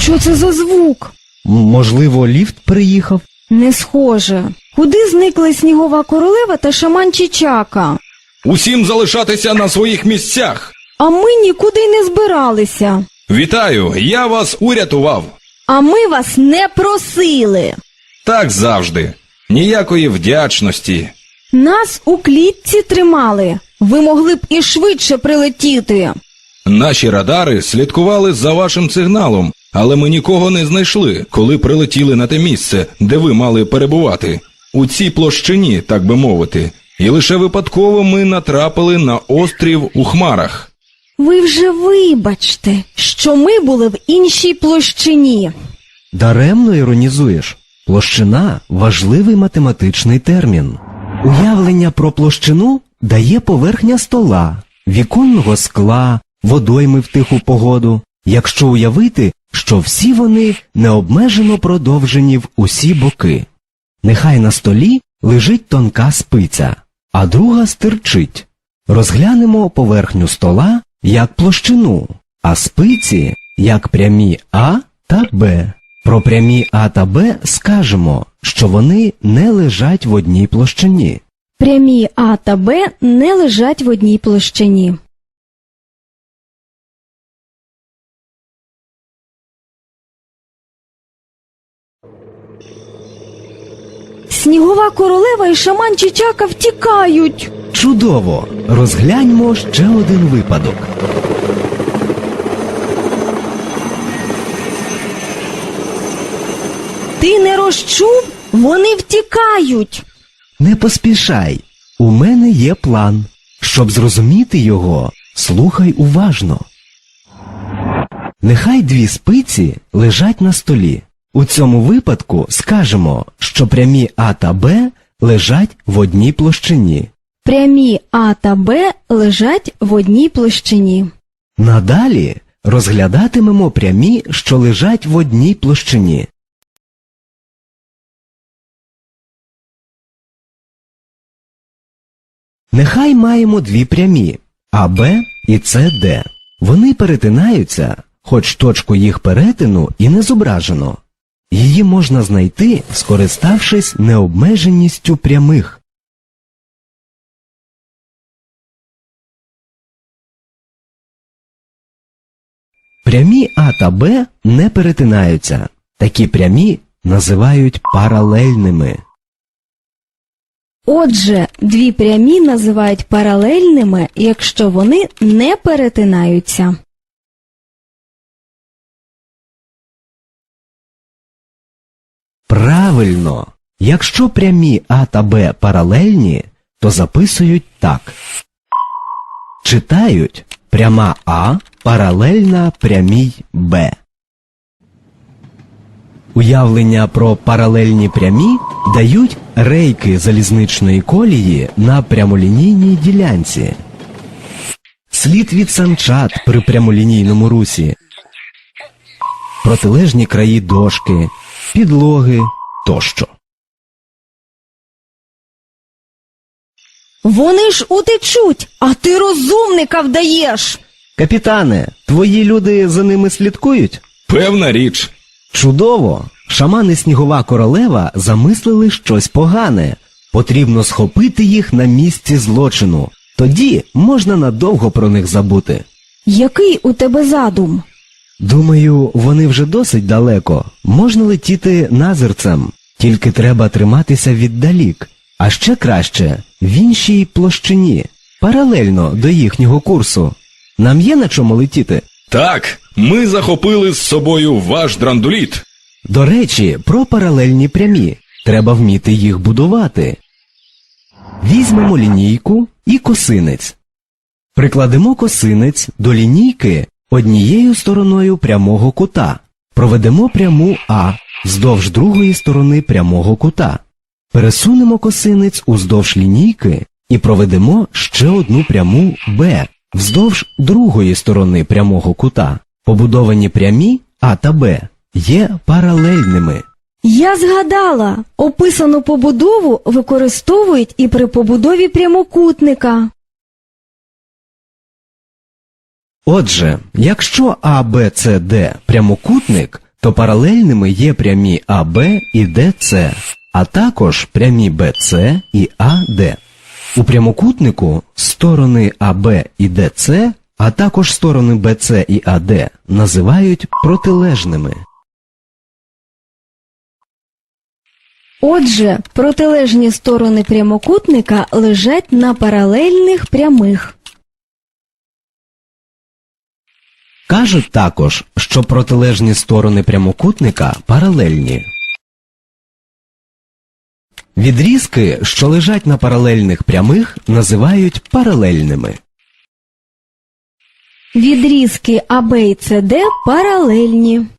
Що це за звук? Можливо, ліфт приїхав? Не схоже. Куди зникли Снігова королева та шаман Чичака? Усім залишатися на своїх місцях. А ми нікуди й не збиралися. Вітаю, я вас урятував. А ми вас не просили. Так завжди. Ніякої вдячності. Нас у клітці тримали. Ви могли б і швидше прилетіти. Наші радари слідкували за вашим сигналом, але ми нікого не знайшли, коли прилетіли на те місце, де ви мали перебувати. У цій площині, так би мовити. І лише випадково ми натрапили на острів у хмарах. Ви вже вибачте, що ми були в іншій площині. Даремно іронізуєш. Площина – важливий математичний термін. Уявлення про площину дає поверхня стола, віконного скла, водойми в тиху погоду, якщо уявити, що всі вони необмежено продовжені в усі боки. Нехай на столі лежить тонка спиця, а друга стирчить. Розглянемо поверхню стола як площину, а спиці як прямі А та Б. Про прямі А та Б скажемо, що вони не лежать в одній площині. Прямі А та Б не лежать в одній площині. Снігова королева і шаман Чичака втікають. Чудово! Розгляньмо ще один випадок. Ти не розчув? Вони втікають. Не поспішай. У мене є план. Щоб зрозуміти його, слухай уважно. Нехай дві спиці лежать на столі. У цьому випадку скажемо, що прямі А та Б лежать в одній площині. Прямі А та Б лежать в одній площині. Надалі розглядатимемо прямі, що лежать в одній площині. Нехай маємо дві прямі АБ і СД. Вони перетинаються, хоч точку їх перетину і не зображено. Її можна знайти, скориставшись необмеженістю прямих. Прямі А та Б не перетинаються. Такі прямі називають паралельними. Отже, дві прямі називають паралельними, якщо вони не перетинаються. Правильно! Якщо прямі А та Б паралельні, то записують так. Читають пряма А паралельна прямій Б. Уявлення про паралельні прямі дають рейки залізничної колії на прямолінійній ділянці. Слід від санчат при прямолінійному русі. Протилежні краї дошки, підлоги тощо. Вони ж утечуть, а ти розумника вдаєш. Капітане, твої люди за ними слідкують? Певна річ. Чудово! Шаман і Снігова королева замислили щось погане. Потрібно схопити їх на місці злочину. Тоді можна надовго про них забути. Який у тебе задум? Думаю, вони вже досить далеко. Можна летіти назирцем. Тільки треба триматися віддалік. А ще краще – в іншій площині, паралельно до їхнього курсу. Нам є на чому летіти? Так, ми захопили з собою ваш драндуліт. До речі, про паралельні прямі. Треба вміти їх будувати. Візьмемо лінійку і косинець. Прикладемо косинець до лінійки однією стороною прямого кута. Проведемо пряму А вздовж другої сторони прямого кута. Пересунемо косинець уздовж лінійки і проведемо ще одну пряму Б вздовж другої сторони прямого кута. Побудовані прямі А та Б є паралельними. Я згадала, описану побудову використовують і при побудові прямокутника. Отже, якщо АБЦД прямокутник, то паралельними є прямі АБ і ДЦ, а також прямі БЦ і АД. У прямокутнику сторони АБ і ДЦ, а також сторони БЦ і АД називають протилежними. Отже, протилежні сторони прямокутника лежать на паралельних прямих. Кажуть також, що протилежні сторони прямокутника паралельні. Відрізки, що лежать на паралельних прямих, називають паралельними. Відрізки АБ і СД паралельні.